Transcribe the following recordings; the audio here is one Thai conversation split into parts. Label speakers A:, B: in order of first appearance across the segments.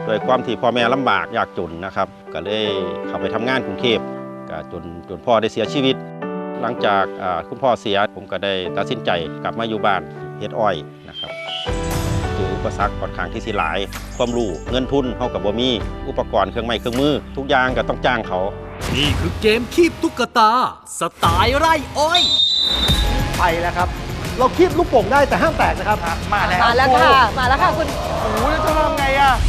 A: โดยความที่พ่อแม่ลำบากยากจนนะครับก็เลยเข้าไปทำงานกรุงเทพก็จนพ่อได้เสียชีวิตหลังจากคุณพ่อเสียผมก็ได้ตัดสินใจกลับมาอยู่บ้านเฮ็ดอ้อยนะครับเจออุปสรรคค่อนข้างที่สิหลายความรู้เงินทุนเฮากับบ่มีอุปกรณ์เครื่องไม้เครื่องมือทุกอย่างก็ต้องจ้างเขา
B: นี่คือเกมคีบตุ๊กตาสไตล์ไร่อ้อย
C: ไปแล้วครับเราคีบลูกโป่งได้แต่ห้ามแตกนะครับ
D: มาแล้ว
E: ค่ะคุณ
D: โอ้โหแล้วจะทำไงอ่ะ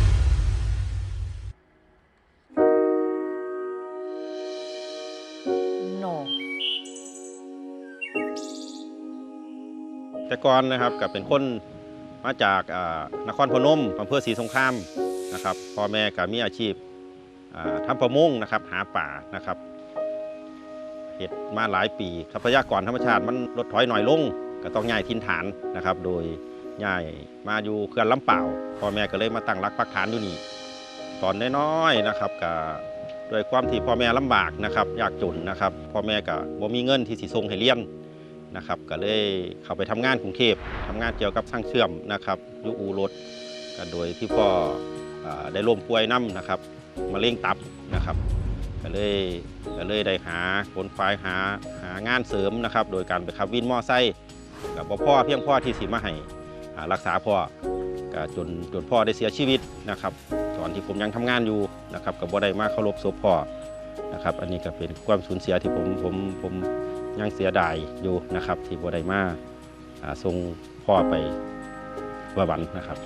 A: แต่ก่อนนะครับก็เป็นคนมาจากนครพนมอำเภอศรีสงครามนะครับพ่อแม่ก็มีอาชีพทำประมงนะครับหาป่านะครับเฮ็ดมาหลายปีทรัพยากรธรรมชาติมันลดถอยหน่อยลงก็ต้องย้ายถิ่นฐานนะครับโดยย้ายมาอยู่เขื่อนลำเปล่าพ่อแม่ก็เลยมาตั้งรักปักฐานอยู่นี่ตอนน้อยๆนะครับก็ด้วยความที่พ่อแม่ลำบากนะครับยากจนนะครับพ่อแม่ก็บ่มีเงินที่สิส่งให้เรียนนะครับก็เลยเข้าไปทำงานกรุงเทพทำงานเกี่ยวกับช่างเชื่อมนะครับอยู่อู่รถก็โดยที่พ่อได้ล้มป่วยนำนะครับมะเร็งตับนะครับก็เลยได้หาขนควายหางานเสริมนะครับโดยการไปขับวินมอไซค์กับพ่อเพียงพ่อที่สิมาให้รักษาพ่อก็จนพ่อได้เสียชีวิตนะครับตอนที่ผมยังทำงานอยู่นะครับกับบ่ได้มาเคารพศพพ่อนะครับอันนี้ก็เป็นความสูญเสียที่ผมยังเสียดายอยู่นะครับที่บ่ได้มาส่งพ่อไปบำบัดนะครับ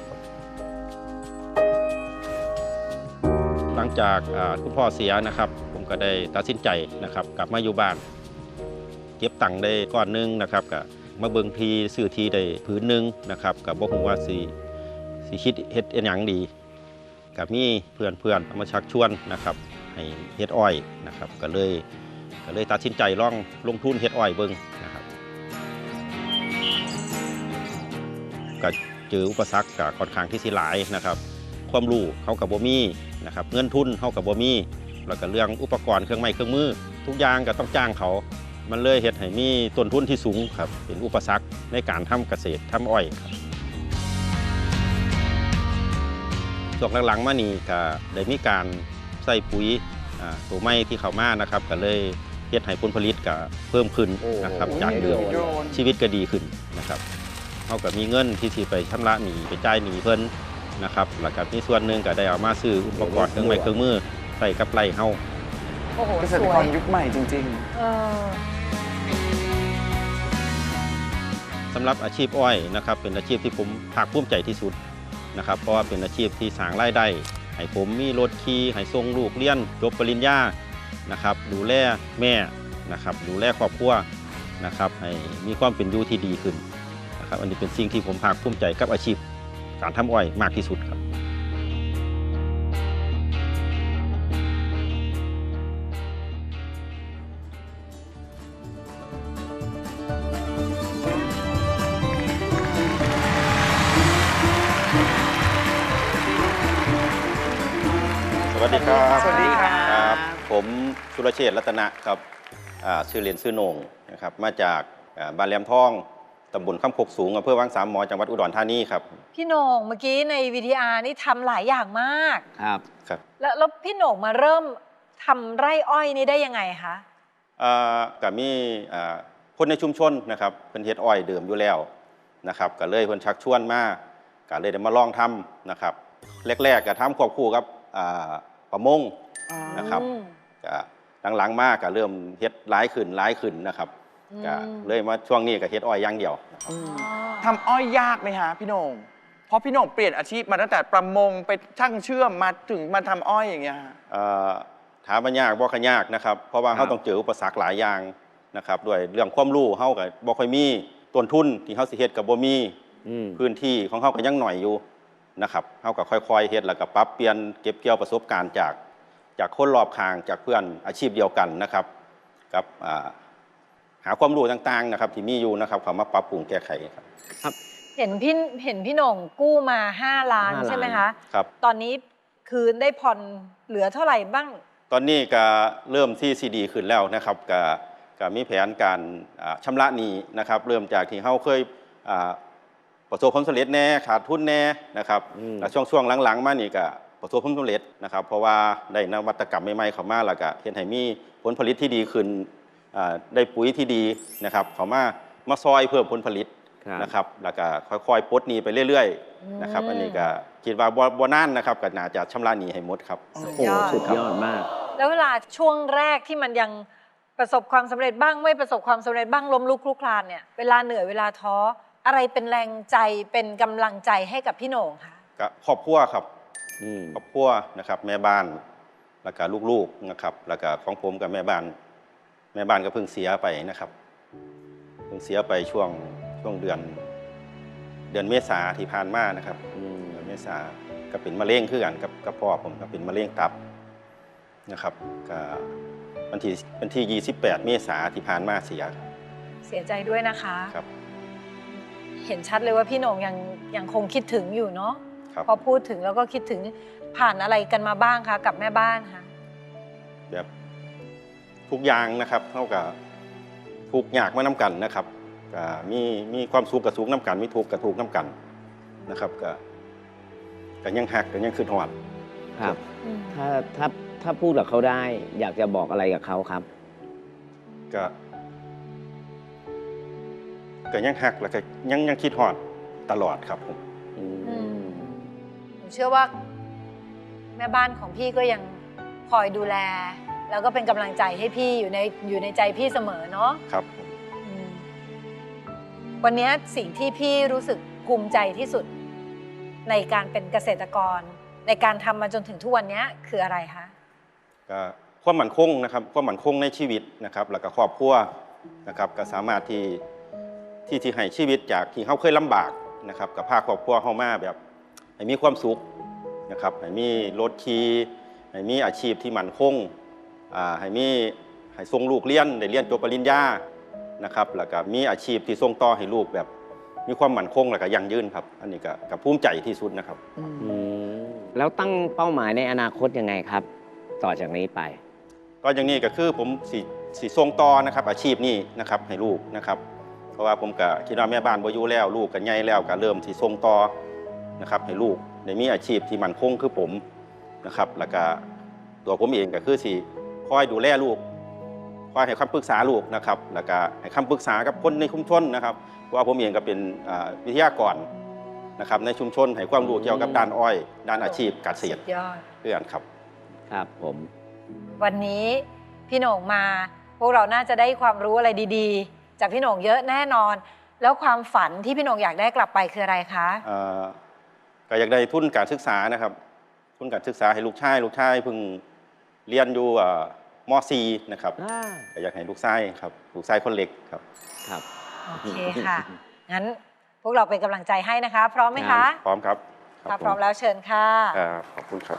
A: หลังจากคุณพ่อเสียนะครับผมก็ได้ตัดสินใจนะครับกลับมาอยู่บ้านเก็บตังค์ได้ก้อนนึงนะครับก็มาเบิ่งทีซื้อทีได้ผืนนึงนะครับกับบ่ฮู้ว่าสิคิดเฮ็ดหยังดีกับมีเพื่อนมาชักชวนนะครับให้เฮ็ดอ้อยนะครับก็เลยตัดสินใจลงทุนเฮ็ดอ้อยเบิ่งนะครับก็เจออุปสรรคก็ค่อนข้างที่สิหลายนะครับความรู้เขากับบ่มีนะครับเงินทุนเขากับบ่มีแล้วก็เรื่องอุปกรณ์เครื่องไม้เครื่องมือทุกอย่างก็ต้องจ้างเขามันเลยเฮ็ดให้มีต้นทุนที่สูงครับเป็นอุปสรรคในการทำเกษตรทำอ้อยครับช่วงหลังๆมานี่ก็ได้มีการใส่ปุ๋ยตัวไม้ที่เข้ามานะครับก็เลยเฮ็ดให้ผลผลิตก็เพิ่มขึ้นนะครับจากเดิมชีวิตก็ดีขึ้นนะครับเขาก็มีเงินที่สิไปชำระหนี้ไปจ่ายหนี้เพิ่นนะครับแล้วก็มีส่วนหนึ่งก็ได้เอามาซื้ออุปกรณ์เครื่องไม้เครื่องมือใส่กับไร่เฮา
D: เกษตรกรยุคใหม่จริง
A: สำหรับอาชีพอ้อยนะครับเป็นอาชีพที่ผมภาคภูมิใจที่สุดนะครับเพราะว่าเป็นอาชีพที่สร้างรายได้ให้ผมมีรถขี่ให้ส่งลูกเรียนจบปริญญานะครับดูแลแม่นะครับดูแลครอบครัวนะครับให้มีความเป็นอยู่ที่ดีขึ้นนะครับอันนี้เป็นสิ่งที่ผมภาคภูมิใจกับอาชีพการทำอ้อยมากที่สุดครับสวัสดีครับ
D: สวัสดีครับ
A: ผมสุรเชษฐ์รัตนะครับชื่อเล่นชื่อโหน่งนะครับมาจากบ้านแหลมทองตำบลคำคกสูงอำเภอวังสามหมอจังหวัดอุดรธานีครับ
E: พี่โหน่งเมื่อกี้ในวิทยานี่ทำหลายอย่างมาก
A: ครับ
E: แล้วพี่โหน่งมาเริ่มทำไร่อ้อยนี่ได้ยังไงคะ
A: ก็มีคนในชุมชนนะครับเป็นเฮ็ดอ้อยเดิมอยู่แล้วนะครับก็เลยเพิ่นชักชวนมาก็เลยได้มาลองทำนะครับแรกๆก็ทำควบคู่กับประมงนะครับก็หลังๆมากก็เริ่มเฮ็ดหลายขึ้นนะครับก็เลยมาช่วงนี้ก็เฮ็ดอ้อยอย่างเดียว
D: ทำอ้อยยากไหมฮะพี่โหน่งเพราะพี่โหน่งเปลี่ยนอาชีพมาตั้งแต่ประมงไปช่างเชื่อมมาถึงมาทำอ้อยอย่างเงี้ย
A: ถามว่ายากบ่ค่อยยากนะครับเพราะว่าเขาต้องเจออุปสรรคหลายอย่างนะครับด้วยเรื่องความรู้เขาก็บ่ค่อยมีต้นทุนที่เขาสิเฮ็ดก็บ่มีพื้นที่ของเขาก็ยังหน่อยอยู่นะครับเขาก็ค่อยๆเฮ็ดแล้วก็ปรับเปลี่ยนเก็บเกี่ยวประสบการณ์จากคนรอบข้างจากเพื่อนอาชีพเดียวกันนะครับกับหาความรู้ต่างๆนะครับที่มีอยู่นะครับเขามาปรับปรุงแก้ไขครับ
E: เห็นพี่โหน่งกู้มา5 ล้านใช่ไหมคะ
A: ครับ
E: ตอนนี้คืนได้ผ่อนเหลือเท่าไหร่บ้าง
A: ตอนนี้ก็เริ่มที่ซีดีขึ้นแล้วนะครับก็มีแผนการชำระหนี้นะครับเริ่มจากที่เขาเคยประสบความสำเร็จแน่ขาดทุนแน่นะครับแล้วช่วงหลังๆมานี่ก็ประสบความสำเร็จนะครับเพราะว่าได้นวัตกรรมใหม่ๆเข้ามาแล้วก็เฮ็ดให้มีผลผลิตที่ดีขึ้นได้ปุ๋ยที่ดีนะครับเข้ามาซอยเพิ่มผลผลิตนะครับแล้วก็ค่อยๆปลดหนี้ไปเรื่อยๆนะครับอันนี้ก็คิดว่าบ่นานนะครับก็น่าจะชำระหนี้ให้หมดครับ
E: สุดยอด
F: สุดยอดมาก
E: แล้วเวลาช่วงแรกที่มันยังประสบความสำเร็จบ้างไม่ประสบความสำเร็จบ้างล้มลุกคลุกคลานเนี่ยเวลาเหนื่อยเวลาท้ออะไรเป็นแรงใจเป็นกำลังใจให้กับพี่โหน่งคะ
A: ก็ครอบครัวครับครอบครัวนะครับแม่บ้านแล้วก็ลูกๆนะครับแล้วก็ของผมกับแม่บ้านก็เพิ่งเสียไปนะครับเพิ่งเสียไปช่วงเดือนเมษาที่ผ่านมานะครับเดือนเมษาก็เป็นมะเร็งคือกันกับพ่อผมก็เป็นมะเร็งตับนะครับก็วันที่28 เมษาที่ผ่านมาเสีย
E: ใจด้วยนะคะ
A: ครับ
E: เห็นชัดเลยว่าพี่โหน่งยังคงคิดถึงอยู่เนาะ
A: ครับ
E: พอพูดถึงแล้วก็คิดถึงผ่านอะไรกันมาบ้างคะกับแม่บ้านคะ
A: แบบทุกอย่างนะครับเท่ากับทุกอยากมาน้ำกันนะครับก็มีความสุขกับสุขน้ำกันมีทุกข์กับทุกข์น้ำกันนะครับก็ยังหักก็ยังคืนหอด
F: ครับ ถ้าพูดกับเขาได้ อยากจะบอกอะไรกับเขาครับ
A: ก็ยังหักแล้วก็ยังคิดหอดตลอดครับผม
E: หนูเชื่อว่าแม่บ้านของพี่ก็ยังคอยดูแล แล้วก็เป็นกำลังใจให้พี่อยู่ในใจพี่เสมอเนาะ
A: ครับ
E: วันนี้สิ่งที่พี่รู้สึกภูมิใจที่สุดในการเป็นเกษตรกรในการทำมาจนถึงทุกวันนี้คืออะไรคะ
A: ก็ความมั่นคงนะครับความมั่นคงในชีวิตนะครับแล้วก็ครอบครัวนะครับก็สามารถที่ให้ชีวิตจากที่เขาเคยลำบากนะครับกับพาครอบครัวเขามาแบบให้มีความสุขนะครับให้มีรถขี่ให้มีอาชีพที่มั่นคงให้ส่งลูกเรียนได้เรียนจบปริญญานะครับแล้วก็มีอาชีพที่ส่งต่อให้ลูกแบบมีความมั่นคงแล้วก็ยั่งยืนครับอันนี้ก็ภูมิใจที่สุดนะครับ
F: แล้วตั้งเป้าหมายในอนาคตยังไงครับ ต่อจากนี้ไป
A: ก็อย่างนี้ก็คือผมสีส่งต่อนะครับอาชีพนี้นะครับให้ลูกนะครับเพราะว่าผมก็คิดว่าแม่บ้านบ่อยู่แล้วลูกก็ใหญ่แล้วก็เริ่มสีส่งต่อนะครับให้ลูกได้มีอาชีพที่มั่นคงคือผมนะครับแล้วก็ตัวผมเองก็คือสีคอยดูแลลูกคอยให้คำปรึกษาลูกนะครับแล้วก็ให้คำปรึกษากับคนในชุมชนนะครับเพราะว่าผมเองก็เป็นวิทยากรนะครับในชุมชนให้ความรู้เกี่ยวกับด้านอ้อยด้านอาชีพเกษตร
E: ยอด
A: เพื่อนครับ
F: ครับผม
E: วันนี้พี่โหน่งมาพวกเราน่าจะได้ความรู้อะไรดีๆ จากพี่โหน่งเยอะแน่นอน แล้วความฝันที่พี่โหน่งอยากได้กลับไปคืออะไรคะ
A: ก็อยากได้ทุนการศึกษานะครับทุนการศึกษาให้ลูกชายเพิ่งเรียนอยู่ม.4 นะครับก็อยากให้ลูกชายครับลูกชายคนเล็กครับ
F: ครับ
E: โอเคค่ะ งั้นพวกเราเป็นกำลังใจให้นะคะ พร้อมไหมคะ
A: พร้อมครับ
E: ถ้าพร้อมแล้วเชิญค่ะ
A: ขอบคุณครับ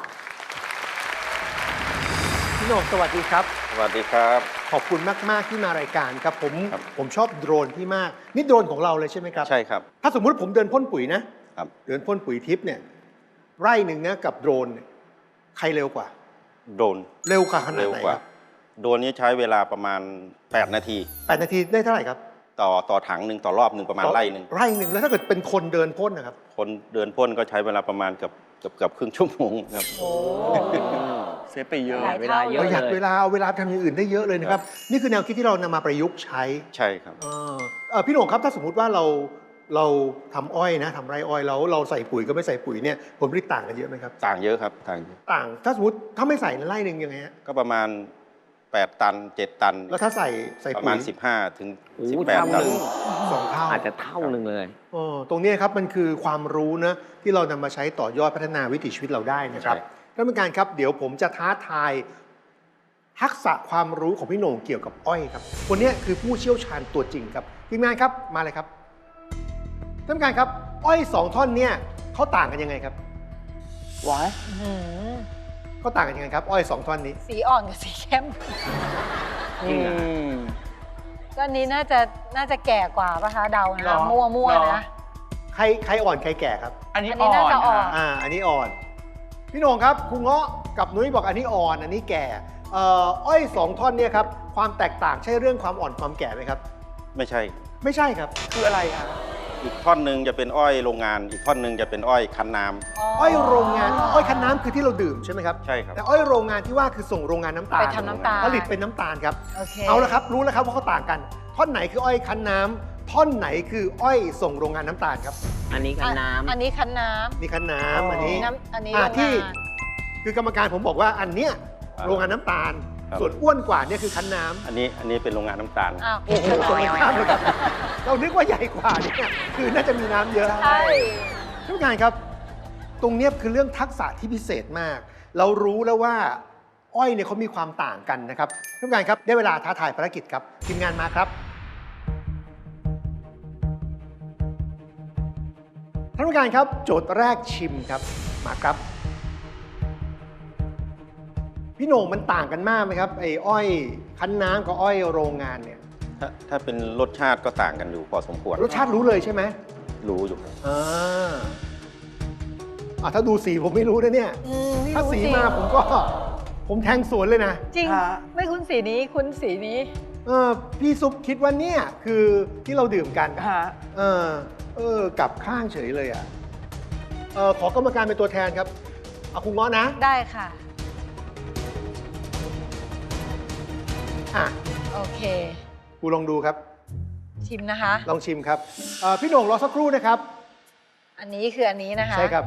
C: พี่โหน่งสวัสดีครับ
A: สวัสดีครับ
C: ขอบคุณมากๆที่มารายการครับผมชอบโดรนพี่มากนี่โดรนของเราเลยใช่ไหมครับ
A: ใช่ครับ
C: ถ้าสมมุติผมเดินพ่นปุ๋ยนะครับ เดินพ่นปุ๋ยทิพย์เนี่ยไร่หนึ่งนะกับโดรนเนี่ยใครเร็วกว่า
A: โดรน
C: เร็วกว่าขนาด
A: เร็ว
C: ไหน
A: ก
C: ค
A: ว่า
C: รับ
A: โดรนนี้ใช้เวลาประมาณ8 นาที
C: 8 นาทีได้เท่าไหร่ครับ
A: ต่อถังหนึ่งต่อรอบหนึ่งประมาณไร่หนึ่ง
C: ไร่หนึ่งแล้วถ้าเกิดเป็นคนเดินพ่นนะครับ
A: คนเดินพ่นก็ใช้เวลาประมาณเกือบครึ่งชั่วโมงครับ
E: โอ้
D: เสียไปเยอะ
E: หลาย
F: เว
E: เท่า
F: ลาเย
C: ป
F: อะ
C: ระหยัดเวลาเอาเวลาทำอย่างอื่นได้เยอะเลยนะครับ นี่คือแนวคิดที่เรานำมาประยุกต์ใช้
A: ใช่ครับ
C: พี่โหน่งครับถ้าสมมุติว่าเราทำอ้อยนะทำไรอ้อยแล้วเราใส่ปุ๋ยก็ไม่ใส่ปุ๋ยเนี่ยผลผลิตต่างกันเยอะไหมครับ
A: ต่างเยอะครับต่างเยอะ
C: ต่างถ้าสมมติถ้าไม่ใส่ในไร่หนึ่งยังไงฮะ
A: ก็ประมาณ8 ตัน 7 ตัน
C: แล้วถ้าใส่
A: ประ
C: ปุ๋
A: มาณ
C: ย
A: 15 ถึง
F: โอ้
A: 18
F: เท่า
A: ตัน
F: หนึ่ง
C: 2 เท่า
F: อาจจะเท่าหนึ่งเลย
C: ตรงนี้ครับมันคือความรู้นะที่เรานำมาใช้ต่อยอดพัฒนาวิถีชีวิตเราได้นะครับท่านผู้การครับเดี๋ยวผมจะท้าทายทักษะความรู้ของพี่โหน่งเกี่ยวกับอ้อยครับคนนี้คือผู้เชี่ยวชาญตัวจริงครับทีมงานครับมาเลยครับท่านผู้การครับอ้อย2 ท่อนเนี่ยเขาต่างกันยังไงครับ
D: ว้าย
E: อื้อหือ
C: เขาต่างกันยังไงครับอ้อย2 ท่อนนี้
E: สีอ่อนกับสีเข้ม
F: จริงเหรอ
E: ก็อันนี้น่าจะแก่กว่าปะคะเดา
D: หร
E: นะ
D: อ
E: มั่ว
D: หรอ
E: ๆนะ
C: ใครอ่อนใครแก่ครับ
D: อันนี้
E: อันนี้
D: อ่อ
E: น่าจะ
D: น
E: อ่อน
D: ค่ะ
C: อันนี้อ่อนพี่โหน่งครับครูเงาะกับนุ้ยบอกอันนี้อ่อนอันนี้แก่อ้อย2 ท่อนเนี่ยครับความแตกต่างใช่เรื่องความอ่อนความแก่ไหมครับ
A: ไม่ใช่
C: ไม่ใช่ครับ
D: คืออะไรคะ
A: อีกท่อนหนึ่งจะเป็นอ้อยโรงงาน อีกท่อนหนึ่งจะเป็นอ้อยคั้นน้ำ
C: อ้อยโรงงาน อ้อยคั้นน้ำคือที่เราดื่มใช่ไหมครับ
A: ใช่ครับ
C: แต่อ้อยโรงงานที่ว่าคือส่งโรงงานน้ำตาล
E: ไปทำน้ำตาล
C: ผลิตเป็นน้ำตาลครับ
E: โอเค
C: เอาละครับ รู้แล้วครับว่าเขาต่างกัน ท่อนไหนคืออ้อยคั้นน้ำท่อนไหนคืออ้อยส่งโรงงานน้ำตาลครับ
F: อันนี้กันน้ำ
E: อันนี้คั้นน้
C: นี่คั้นน้
D: อ๋อ
C: ำอันนี้
E: ำอันนี้
C: อ่า
E: โรง
C: ที่
E: งาน
C: คือกรรมการผมบอกว่าอันเนี้ยโรงงานน้ำตาล
A: ครับ
C: ส่วนอ้วนกว่าเนี่ยคือคั้นน้ำ
A: อันนี้เป็นโรงงานน้ำตาล
E: อ้าว
C: โอ้โหตรงกันข้ามเลยครับเรานึกว่าใหญ่กว่าเนี่ยคือน่าจะมีน้ำเยอะ
E: ใช่
C: ท่านผู้การครับ ตรงเนี้ยคือเรื่องทักษะที่พิเศษมาก เรารู้แล้วว่าอ้อยเนี่ยเขามีความต่างกันนะครับท่านผู้การครับได้เวลาท้าทายภารกิจครับทีมงานมาครับท่านผู้การครับโจทย์แรกชิมครับมาครับพี่โหน่งมันต่างกันมากไหมครับไอ้อ้อยคั้นน้ำกับอ้อยโรงงานเนี่ย
A: ถ้าเป็นรสชาติก็ต่างกันอยู่พอสมควร
C: รสชาติรู้เลยใช่ไหม
A: รู้อยู่
C: อ่าถ้าดูสีผมไม่รู้นะเนี่ย
E: ไม่
C: ถ้า
E: รู้
C: สี
E: จริง
C: มาผมแทงสวนเลยนะ
E: จริง
D: ฮะ
E: ไม่คุ้นสีนี้คุ้นสีนี้
C: พี่ซุปคิดว่าเนี่ยคือที่เราดื่มกัน
D: ฮะ
C: กลับข้างเฉยเลยอ่ะขอกรรมการเป็นตัวแทนครับเอาคุณง้อนะ
E: ได้ค่ะ
C: อ่ะ
E: โอเค
C: กูลองดูครับ
E: ชิมนะคะ
C: ลองชิมครับพี่โหน่งรอสักครู่นะครับ
E: อันนี้คืออันนี้นะคะ
C: ใช่ครับ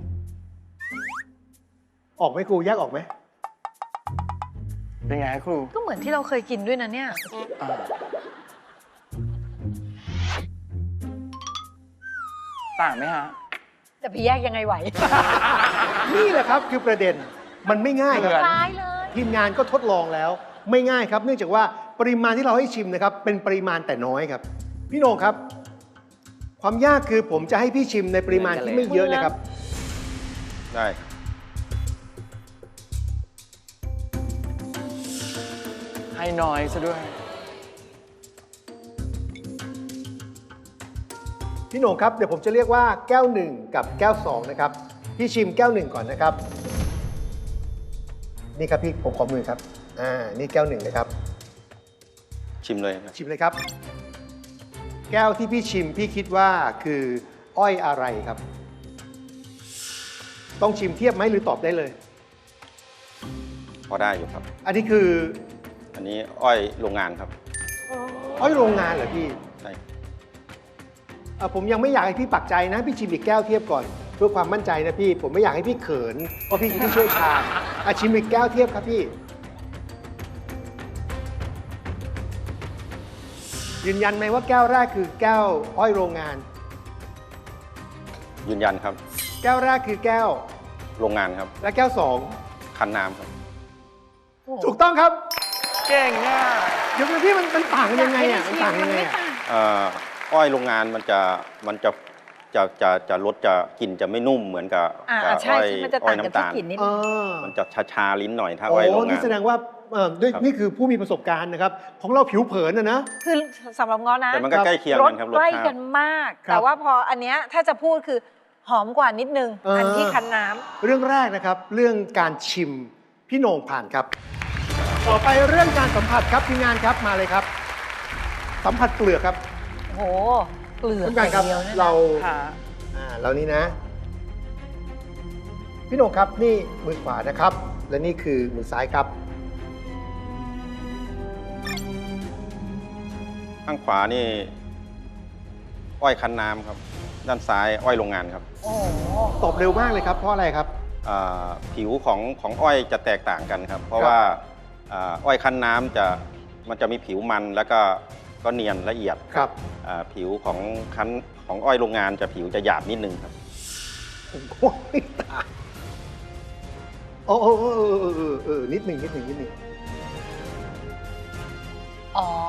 C: ออกไหมครูแยกออกไหม
D: เป็นไงครู
E: ก็เหมือนที่เราเคยกินด้วยนะเนี่ย
D: อ่าต่างไหมฮะ
E: จะไปแยกยังไงไหว
C: นี่แหละครับคือประเด็นมันไม่ง่ายครับ
D: เหมือน
E: ร้ายเลย
C: ทีมงานก็ทดลองแล้วไม่ง่ายครับ เนื่องจากว่าปริมาณที่เราให้ชิมนะครับเป็นปริมาณแต่น้อยครับ พี่โหน่งครับ ความยากคือผมจะให้พี่ชิมในปริมาณที่ไม่เยอะนะครับ
A: ได้
D: ให้น้อยซะด้วย
C: พี่โหน่งครับเดี๋ยวผมจะเรียกว่าแก้ว1กับแก้ว2นะครับพี่ชิมแก้ว1ก่อนนะครับนี่ครับพี่ผมขอมือครับนี่แก้ว1นะครับ
A: ชิมเลยนะ
C: ชิมเลยครับ แก้วที่พี่ชิมพี่คิดว่าคืออ้อยอะไรครับ ต้องชิมเทียบไหมหรือตอบได้เลย
A: พอได้อยู่ครับ
C: อันนี้คือ
A: อันนี้อ้อยโรงงานครับ
C: อ้อยโรงงานเหรอพี่
A: ใช่
C: ผมยังไม่อยากให้พี่ปักใจนะ พี่ชิมอีกแก้วเทียบก่อน เพื่อความมั่นใจนะพี่ ผมไม่อยากให้พี่เขินเพราะพี่คือผู้เชี่ยวชาญชิมอีกแก้วเทียบครับพี่ ยืนยันไหมว่าแก้วแรกคือแก้วอ้อยโรงงาน
A: ยืนยันครับ
C: แก้วแรกคือแก้ว
A: โรงงานครับ
C: และแก้วสอง
A: คั้นน้ำครับ
C: ถูกต้องครับ
D: เก่งอ่ะ
C: เดี๋ยวพี่มันต่างกันยังไงอ่ะมันต่างยังไงอ่ะ
A: อ้อยโรงงานมันจะรสจะกลิ่นจะไม่นุ่มเหมือนกับ
E: ใช่
A: อ้อย
E: ใช่มันจะ
A: อ้อ
E: ต่าย งกับ
A: น้ำ
E: ที่
A: ตาล
E: กลิ่นนิด
C: เอ
E: นึง
C: อ
A: มันจะชาๆลิ้นหน่อยถ้า
C: โอ้
A: อ้อยโรงงา
C: นี่
A: น
C: แสดงว่าด้วย
A: ครับ
C: นี่คือผู้มีประสบการณ์นะครับ ของเราผิวเผินนะ
E: คือสำหรับง้อนะ
A: แต่มันก็ใกล้เคียง
E: ร
A: กั
E: ส
A: นครับร
E: ใก
A: ส
E: ล้
A: ชา
E: กั
A: ติ
E: นมาก
C: ครับ
E: แต่ว่าพออันเนี้ยถ้าจะพูดคือหอมกว่านิดนึง อันที่คั้นน้ำ
C: เรื่องแรกนะครับ เรื่องการชิมพี่โหน่งผ่านครับ ต่อไปเรื่องการสัมผัสครับทีมงานครับมาเลยครับ สัมผัสเปลือกครับ
E: โอ้โห เปลือก
C: ท่านผู้การครับ
E: อย่างเดียวเนี่ยนะ
C: เรา
D: ค่ะ
C: เรานี่นะ พี่โหน่งครับนี่มือขวานะครับ และนี่คือมือซ้ายครับ
A: ข้างขวานี่อ้อยคั้นน้ำครับ ด้านซ้ายอ้อยโรงงานครับ
E: โอ้โห
C: ตอบเร็วมากเลยครับ เพราะอะไรครับ
A: ผิวของอ้อยจะแตกต่างกันครับ เพราะว่าอ้อยคั้นน้ำมันจะมีผิวมันแล้วก็เนียนละเอียด
C: ครับ
A: ผิวของอ้อยโรงงานจะผิวจะหยาบนิดนึงครับ
C: ผมก็ไม่ต่างนิดหนึ่ง
E: อ๋อ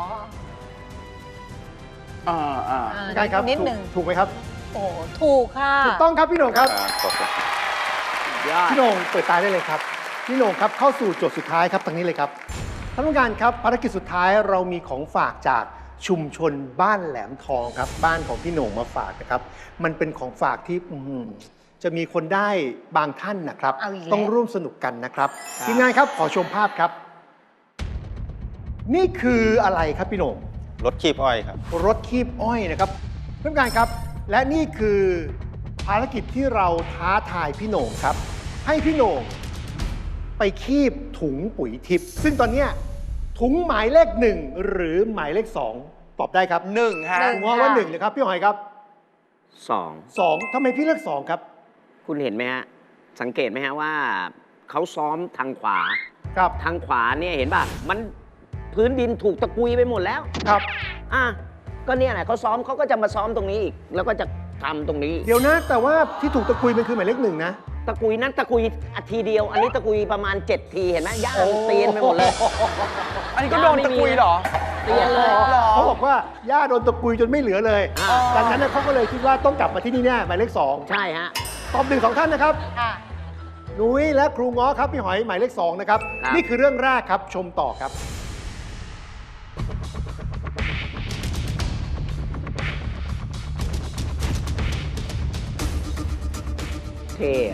C: ใช่ครับ
E: นิดหนึ่ง
C: ถูกไหมครับ
E: โอ้โหถูกค่ะ
C: ถูกต้องครับพี่โหน่งครับ
A: ขอบคุณ
C: พี่โหน่งเปิดตาได้เลยครับ พี่โหน่งครับเข้าสู่โจทย์สุดท้ายครับทางนี้เลยครับท่านผู้การครับภารกิจสุดท้ายเรามีของฝากจากชุมชนบ้านแหลมทองครับ บ้านของพี่โหน่งมาฝากนะครับ มันเป็นของฝากที่จะมีคนได้บางท่านนะครับ
E: เอาอีกแล้ว
C: ต้องร่วมสนุกกันนะครับทีมงานครับขอชมภาพครับ นี่คืออะไรครับพี่โหน่ง
A: รถคีบอ้อยครับ
C: รถคีบอ้อยนะครับท่านผู้การครับและนี่คือภารกิจที่เราท้าทายพี่โหน่งครับ ให้พี่โหน่งไปคีบถุงปุ๋ยทิพย์ซึ่งตอนเนี้ยถุงหมายเลข 1 หรือหมายเลข 2 ตอบได้ครับ
D: 1 ฮะ
C: ผมว่า1เลยครับพี่หอยครับ
F: 2
C: 2ทำไมพี่เลือก2ครับ
F: คุณเห็นไหมฮะ สังเกตไหมฮะว่าเขาซ้อมทางขวา
C: ครับ
F: ทางขวาเนี่ยเห็นป่ะ มันพื้นดินถูกตะกุยไปหมดแล้ว
C: ครับ
F: อ่ะ ก็เนี่ยแหละเขาซ้อมเขาก็จะมาซ้อมตรงนี้อีก แล้วก็จะทำตรงนี้
C: เดี๋ยวนะ แต่ว่าที่ถูกตะกุยมันคือหมายเลข 1นะ
F: ตะกุยนั้นตะกุยทีเดียว อันนี้ตะกุยประมาณ 7 ทีเห็นไหมย่างเตียนไปหมดเลย
D: อันนี้ก็โดนตะกุยเหรอ
F: เตียนเลย
D: หรอ
C: เขาบอกว่าย่าโดนตะกุยจนไม่เหลือเลย
F: อ่า
C: ดังนั้นเขาก็เลยคิดว่าต้องกลับมาที่นี่แน่หมายเลข
F: ใช่ฮะ
C: 2 ตอบ1 2 ท่านนะครับ
E: ค่ะ
C: นุ้ยและครูง้อครับพี่หอยหมายเลข 2 นะครับ
F: ครับ
C: นี่คือเรื่องแรกครับชมต่อครับ
F: เท่อะ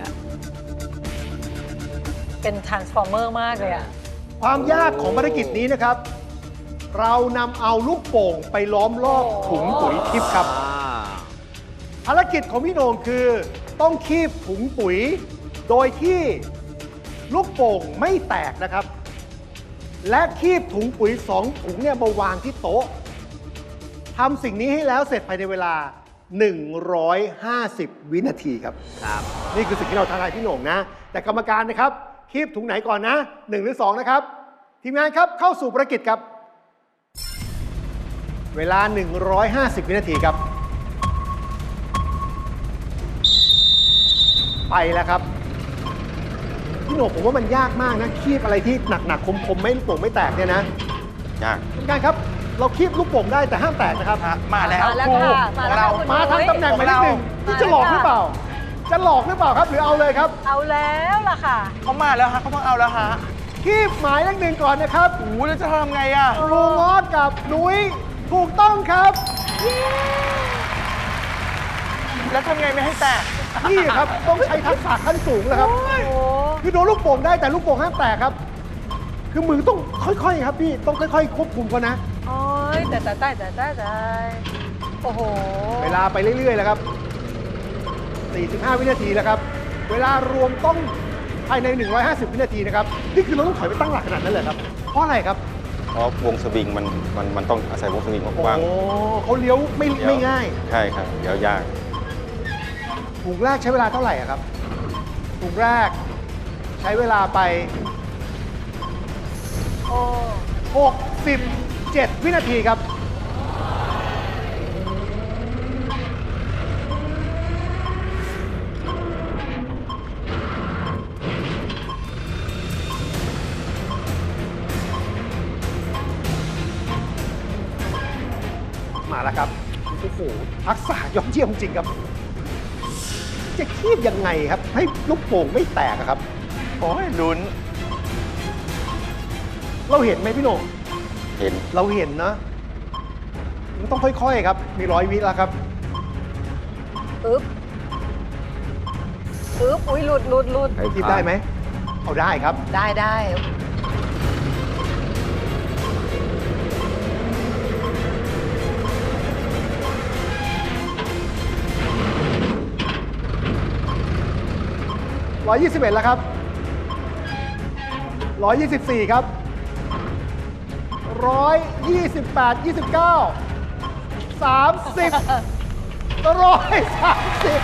E: เป็น transformer มากเลยอะ
C: ความยากของภารกิจนี้นะครับ เรานำเอาลูกโป่งไปล้อมรอบถุงปุ๋ยทิพย์ครับ ภารกิจของพี่โหน่งคือต้องคีบถุงปุ๋ย โดยที่ลูกโป่งไม่แตกนะครับ และคีบถุงปุ๋ย2 ถุงเนี่ยมาวางที่โต๊ะทำสิ่งนี้ให้แล้วเสร็จภายในเวลา 150 วินาทีครับ
F: ครับ
C: นี่คือสิ่งที่เราท้าทายพี่โหน่งนะ แต่กรรมการนะครับ คีบถุงไหนก่อนนะ 1 หรือ 2 นะครับ ทีมงานครับเข้าสู่ภารกิจครับ เวลา 150 วินาทีครับ ไปแล้วครับ พี่โหน่งผมว่ามันยากมากนะ คีบอะไรที่หนักๆคมๆไม่ลูกโป่งไม่แตกเนี่ยนะ
A: ยาก
C: ทีมงานครับ เราคีบลูกโป่งได้แต่ห้ามแตกนะครับ
D: มาแล้ว
E: มาแล้ว
D: ครู
E: ค่ะ
D: ของเรา
C: มาทางตำแหน่งหมายเลข 1นี่จะหลอกหรือเปล่า จะหลอกหรือเปล่าครับ หรือเอาเลยครับ
E: เอาแล้วล่ะค่ะ
D: เขามาแล้วฮะเขาต้องเอาแล้วฮะ
C: คีบหมายเลข 1ก่อนนะครับ
D: โอ้โหแล้วจะทำไงอ่ะ
C: ครูง้อกับนุ้ยถูกต้องครับ
D: แล้วทำไงไม่ให้แตก
C: นี่ครับต้องใช้ทักษะขั้นสูงแล้วครับ
E: โอ้โห
C: คือโดนลูกโป่งได้แต่ลูกโป่งห้ามแตกครับ คือมือต้องค่อยๆครับพี่ต้องค่อยๆควบคุมเขานะ
E: โอ้ยแต่โอ้โห
C: เวลาไปเรื่อยๆแล้วครับ 45 วินาทีแล้วครับ เวลารวมต้องภายใน 150 วินาทีนะครับ นี่คือเราต้องถอยไปตั้งหลักขนาดนั้นเลยครับ เพราะอะไรครับ
A: เพราะวงสวิงมันต้องอาศัยวงสวิงกว้าง
C: โอ้เขาเลี้ยวไม่ง่าย
A: ใช่ครับเดี๋ยวยาก
C: ถุงแรกใช้เวลาเท่าไหร่อะครับถุงแรกใช้เวลาไป
E: โอ้
C: 67 วินาทีครับ มาแล้วครับ โอ้โห ทักษะยอดเยี่ยมจริงครับ จะคีบยังไงครับ ให้ลูกโป่งไม่แตกอะครับ
D: โอ้ยลุ้น
C: เราเห็นไหมพี่โหน่ง
A: เห็น
C: เราเห็นนะ มันต้องค่อยๆครับ มี100 วิแล้วครับ
E: อึ๊บอุ้ยหลุด
C: คีบได้ไหม เอาได้ครับ
E: ได้
C: 121แล้วครับ 124 ครับ 128 29 30 130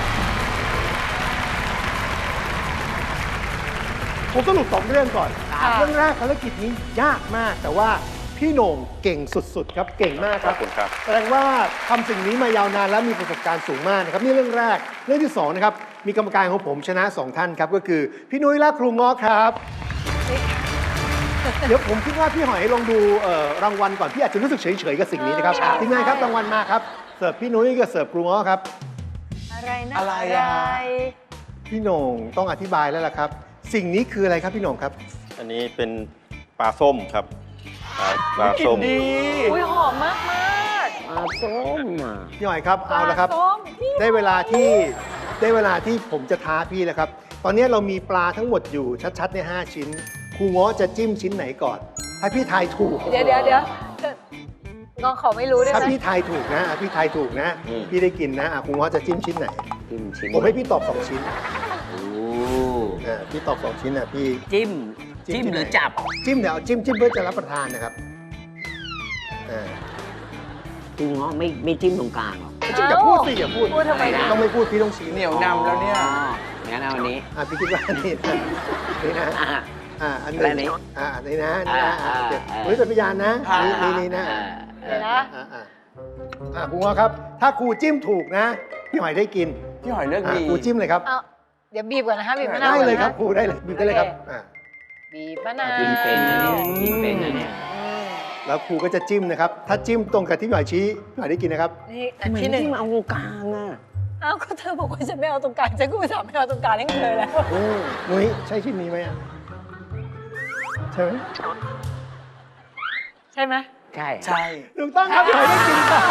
C: ผมสรุป2เรื่องก่อน เรื่องแรกภารกิจนี้ยากมาก แต่ว่าพี่โหน่งเก่งสุดๆครับ เก่งมากครับ
A: ขอบคุณครับ
C: แสดงว่าทำสิ่งนี้มายาวนานและมีประสบการณ์สูงมากนะครับนี่เรื่องแรก เรื่องที่2นะครับ มีกรรมการของผมชนะ 2 ท่านครับ ก็คือพี่นุ้ยและครูง้อครับ เดี๋ยวผมคิดว่าพี่หอยลองดูรางวัลก่อนพี่อาจจะรู้สึกเฉยๆกับสิ่งนี้นะครับทีมงานครับรางวัลมาครับเสิร์ฟพี่นุ้ยกับเสิร์ฟครูง้อครับ
E: อะไรนะ
D: อะไรอะ
C: พี่โหน่งต้องอธิบายแล้วล่ะครับ สิ่งนี้คืออะไรครับพี่โหน่งครับ
A: อันนี้เป็นปลาส้มครับปลา
D: กิน
A: ส้ม
D: ดี
E: อุ้ยหอมมาก
F: ปลาส้มอ่ะ
C: พี่หอยครับ
E: ๆ
C: เอาละครับ
E: ปลส้มพี่
C: ได้เวลาที่ผมจะท้าพี่แล้วครับ ตอนนี้เรามีปลาทั้งหมดอยู่ชัดๆใน5 ชิ้น ครูง้อจะจิ้มชิ้นไหนก่อน ให้พี่ทายถูก
E: เดี๋ยวน้องเขาไม่รู้ได้
C: ถ้า
E: ไหม
C: พี่ทายถูกนะพี่ทายถูกนะ
F: อืม
C: พี่ได้กินนะคุณง้อจะจิ้มชิ้นไหน
F: จิ้มชิ้น
C: ผมให้พี่ตอบ2ชิ้น
F: โอ้
C: พี่ตอบ2ชิ้นนะพี่
F: จิ้ม
C: จิ้ม
F: จิ้ม
C: ที่ไหน
F: หรือจับ
C: จิ้มเดี๋ยวเอาจิ้มเพื่อจะรับประทานนะครับอ่า
F: คุณง้อไม่จิ้มตรงกลางหรอ
C: จิ้มอย่าพูดสิอย่าพูด
E: พูดทำไมนะ
C: ต้องไม่พูดพี่ต้องชี้
D: เหนียวนำแล้วเนี่ย
F: อ๋องั้นเอาอันนี้
C: พี่คิดว่านี่นะนี่นะ
F: อ่ะ
C: อัน
F: และอันนี้
C: นี้อันนี้นะนี่นะ
F: อ่า
C: เฮ้ยเป็นพยานนะ
D: อ่า
C: นี่นะ
E: เดี๋ยวนะ
C: ครูง้อครับ ถ้าครูจิ้มถูกนะพี่หอยได้กิน
D: พี่หอยเลือกดี
C: ครูจิ้มเลยครับ
E: เอาเดี๋ยวบีบก่อนนะคะบีบมะนาว
C: ได้
E: ก่อน
C: เลย
E: นะครับ
C: ครูได้เลยบีบได้เลยครับ
E: บีบมะนาว
F: จิ้มเป็นนะเนี่ยจิ้มเป็นนะเนี่ย
C: แล้วครูก็จะจิ้มนะครับ ถ้าจิ้มตรงกับที่พี่หอยชี้พี่หอยได้กินนะครับ
E: นี่อันที่หนึ่ง
F: จิ้มเอาตรงกลางอ่ะ
E: อ้าวก็เธอบอกว่าจะไม่เอาตรงกลางฉันก็อุตส่าห์ไม่เอาตรงกลางให้เธอแล้ว
C: นุ้ยใช่ชิ้นนี้ไหมอ่ะใช่ไหม
E: ใช่ไหม
F: ใช่
D: ใช่
C: ถูกต้องครับพี่หอยได้กินครับ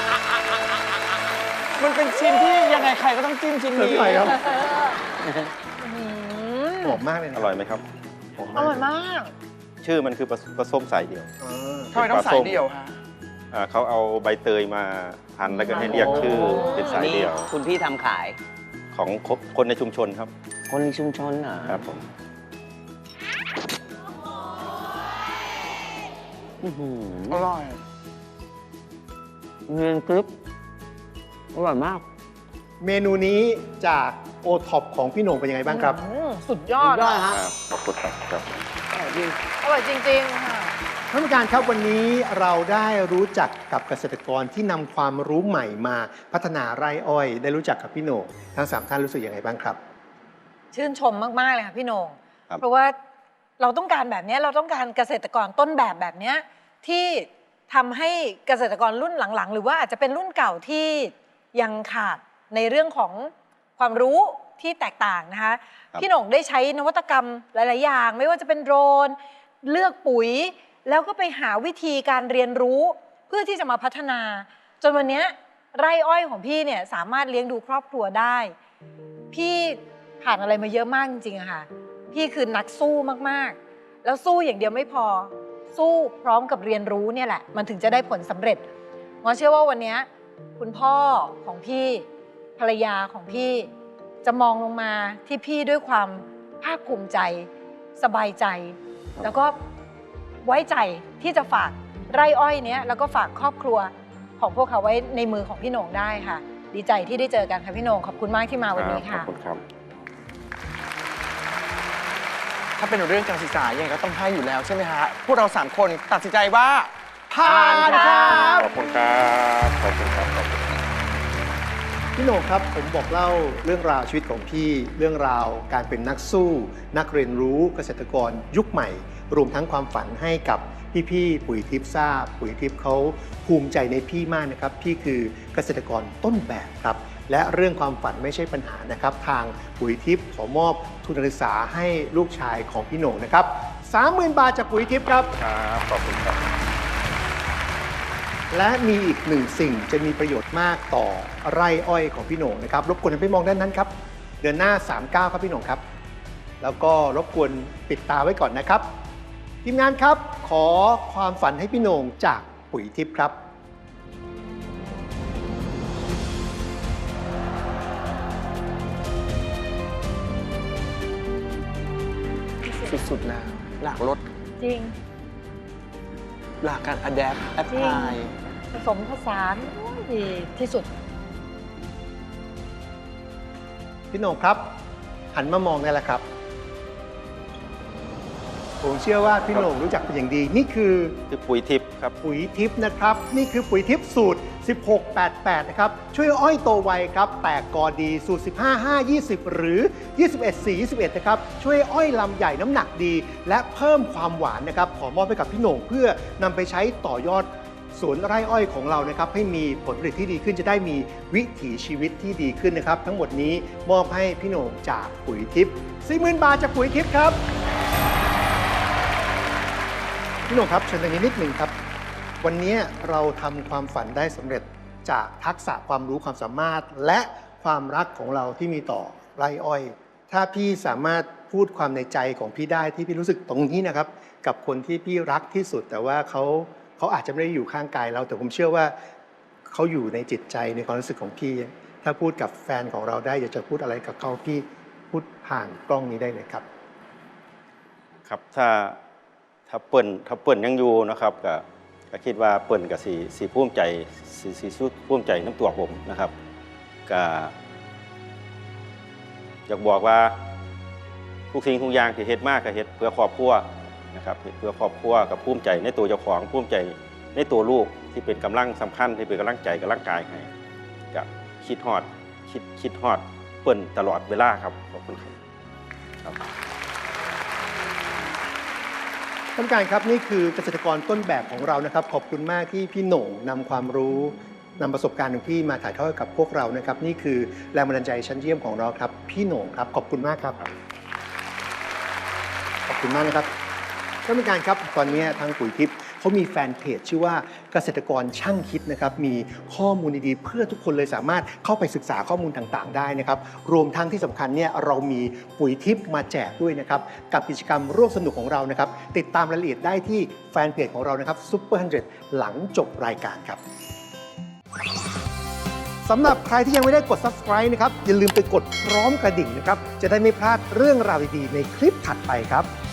D: มันเป็นชิ้นที่ยังไงใครก็ต้องจิ้มชิ้น
C: เชิญ
D: นี้
C: พี่หอยครับ
E: อืม
C: หอมมากเลยนะ
A: อร่อยไหมครับ
C: หอม
E: อ
C: มาก
E: ร่อยมาก
A: ชื่อมันคือปลาส้มสายเดียว
C: อ่า
D: ทำไมต้องสายเดียวฮะ
A: เขาเอาใบเตยมาพันแล้วก็ให้เรียกชื่อเป็นสายเดียว
F: คุณพี่ทำขาย
A: ของคนในชุมชนครับ
F: คนในชุมชนเหรอ
A: ครับผม
F: อื้อหือ
D: อร่อย
F: เงินกรึบอร่อยมาก
C: เมนูนี้จากโอท็อปของพี่โหน่งเป็นยังไงบ้างครับ
E: สุดยอด
F: สุดยอด
E: อะ
F: ฮะ
A: ครับขอบคุณครับ
E: อร่อยจริงๆค่ะ
C: ท่านผู้การครับวันนี้เราได้รู้จักกับเกษตรกรที่นำความรู้ใหม่มาพัฒนาไร่อ้อย ได้รู้จักกับพี่โหน่งทั้ง3ท่านรู้สึกยังไงบ้างครับ
E: ชื่นชมมากๆเลยค่ะพี่โหน่ง
A: ครับ
E: เพราะว่าเราต้องการแบบเนี้ยเราต้องการเกษตรกรต้นแบบเนี้ยที่ทำให้เกษตรกรรุ่นหลังๆ หรือว่าอาจจะเป็นรุ่นเก่าที่ยังขาดในเรื่องของความรู้ที่แตกต่างนะคะ พี่โหน่งได้ใช้นวัตกรรมหลาย ๆ อย่าง ไม่ว่าจะเป็นโดรนเลือกปุ๋ย แล้วก็ไปหาวิธีการเรียนรู้เพื่อที่จะมาพัฒนา จนวันเนี้ยไร่อ้อยของพี่เนี่ยสามารถเลี้ยงดูครอบครัวได้ พี่ผ่านอะไรมาเยอะมากจริงๆอะค่ะ พี่คือนักสู้มากๆ แล้วสู้อย่างเดียวไม่พอ สู้พร้อมกับเรียนรู้เนี่ยแหละ มันถึงจะได้ผลสำเร็จง้อเชื่อว่าวันเนี้ยคุณพ่อของพี่ภรรยาของพี่จะมองลงมาที่พี่ด้วยความภาคภูมิใจ สบายใจ แล้วก็ไว้ใจที่จะฝากไร่อ้อยเนี้ยแล้วก็ฝากครอบครัวของพวกเขาไว้ในมือของพี่โหน่งได้ค่ะ ดีใจที่ได้เจอกันค่ะพี่โหน่งขอบคุณมากที่มาวันนี้
A: ข
E: ค่ะ
A: อบคุณครับ
D: ถ้าเป็นเรื่องการศึกษายังไงก็ต้องให้อยู่แล้วใช่ไหมฮะ พวกเรา3คนตัดสินใจว่าผ่านครับ
A: ขอบคุณครับ ขอบคุณครับ ขอบคุณครับ
C: พี่โหน่งครับผมบอกเล่าเรื่องราวชีวิตของพี่เรื่องราวการเป็นนักสู้ นักเรียนรู้เกษตรกรยุคใหม่ รวมทั้งความฝันให้กับพี่ๆปุ๋ยทิพย์ทราบปุ๋ยทิพย์เขาภูมิใจในพี่มากนะครับพี่คือเกษตรกรต้นแบบครับและเรื่องความฝันไม่ใช่ปัญหานะครับทางปุ๋ยทิพย์ขอมอบทุนการศึกษาให้ลูกชายของพี่โหน่งนะครับ 30,000 บาทจากปุ๋ยทิพย์ครับ
A: ครับ ขอบคุณครับ
C: และมีอีกหนึ่งสิ่งจะมีประโยชน์มากต่อไร่อ้อยของพี่โหน่งนะครับรบกวนให้ไปมองด้านนั้นครับเดินหน้า 39 ครับพี่โหน่งครับ แล้วก็รบกวนปิดตาไว้ก่อนนะครับทีมงานครับขอความฝันให้พี่โหน่งจากปุ๋ยทิพย์ครับ
D: สุดๆแล้วหลักรถ
E: จริง
D: หลักการ adapt
E: จริง
D: apply
E: ผสมผสานโอ้ยดีที่สุด
C: พี่โหน่งครับ หันมามองได้แล้วครับ ผมเชื่อว่าพี่โหน่งรู้จักเป็นอย่างดี นี่คือ
A: คือปุ๋ยทิพย์ครับ
C: ปุ๋ยทิพย์นะครับ นี่คือปุ๋ยทิพย์สูตร 1688 นะครับ ช่วยอ้อยโตไวครับ แตกกอดีสูตร 15-5-20 หรือ 21-4-21 นะครับ ช่วยอ้อยลำใหญ่น้ำหนักดี และเพิ่มความหวานนะครับ ขอมอบให้กับพี่โหน่งเพื่อนำไปใช้ต่อยอดสวนไร่อ้อยของเรานะครับ ให้มีผลผลิตที่ดีขึ้นจะได้มีวิถีชีวิตที่ดีขึ้นนะครับ ทั้งหมดนี้มอบให้พี่โหน่งจากปุ๋ยทิพย์ 40,000 บาทจากปุ๋ยทิพย์ครับ พี่โหน่งครับเชิญตรงนี้นิดหนึ่งครับ วันนี้เราทำความฝันได้สำเร็จจากทักษะความรู้ความสามารถ และความรักของเราที่มีต่อไร่อ้อย ถ้าพี่สามารถพูดความในใจของพี่ได้ที่พี่รู้สึกตรงนี้นะครับ กับคนที่พี่รักที่สุด แต่ว่าเขาเขาอาจจะไม่ได้อยู่ข้างกายเราแต่ผมเชื่อว่าเขาอยู่ในจิตใจในความรู้สึกของพี่ ถ้าพูดกับแฟนของเราได้อยากจะพูดอะไรกับเขาพี่พูดผ่านกล้องนี้ได้เลยครับ
A: ครับถ้าเปิ้นยังอยู่นะครับก็คิดว่าเปิ้นก็สิภูมิใจสิภูมิใจน้ำตัวผมนะครับก็อยากบอกว่าทุกสิ่งทุกอย่างที่เฮ็ดมากก็เฮ็ดเพื่อครอบครัวนะครับเฮ็ดเพื่อครอบครัวกับภูมิใจในตัวเจ้าของภูมิใจในตัวลูกที่เป็นกำลังสำคัญที่เป็นกำลังใจกำลังกายให้ก็คิดฮอดเปิ้นตลอดเวลาครับขอบคุณครับ
C: ท่านผู้การครับนี่คือเกษตรกรต้นแบบของเรานะครับขอบคุณมากที่พี่โหน่งนำความรู้นำประสบการณ์ของพี่มาถ่ายทอดกับพวกเรานะครับนี่คือแรงบันดาลใจชั้นเยี่ยมของเราครับพี่โหน่งครับขอบคุณมากครับขอบคุณมากนะครับท่านผู้การครับตอนนี้ทางปุ๋ยทิพย์เขามีแฟนเพจชื่อว่าเกษตรกรช่างคิดนะครับมีข้อมูลดีๆเพื่อทุกคนเลยสามารถเข้าไปศึกษาข้อมูลต่างๆได้นะครับรวมทั้งที่สำคัญเนี่ยเรามีปุ๋ยทิพย์มาแจกด้วยนะครับกับกิจกรรมร่วมสนุกของเรานะครับติดตามรายละเอียดได้ที่แฟนเพจของเรานะครับ Super 100 หลังจบรายการครับสำหรับใครที่ยังไม่ได้กด Subscribe นะครับอย่าลืมไปกดพร้อมกระดิ่งนะครับจะได้ไม่พลาดเรื่องราวดีๆในคลิปถัดไปครับ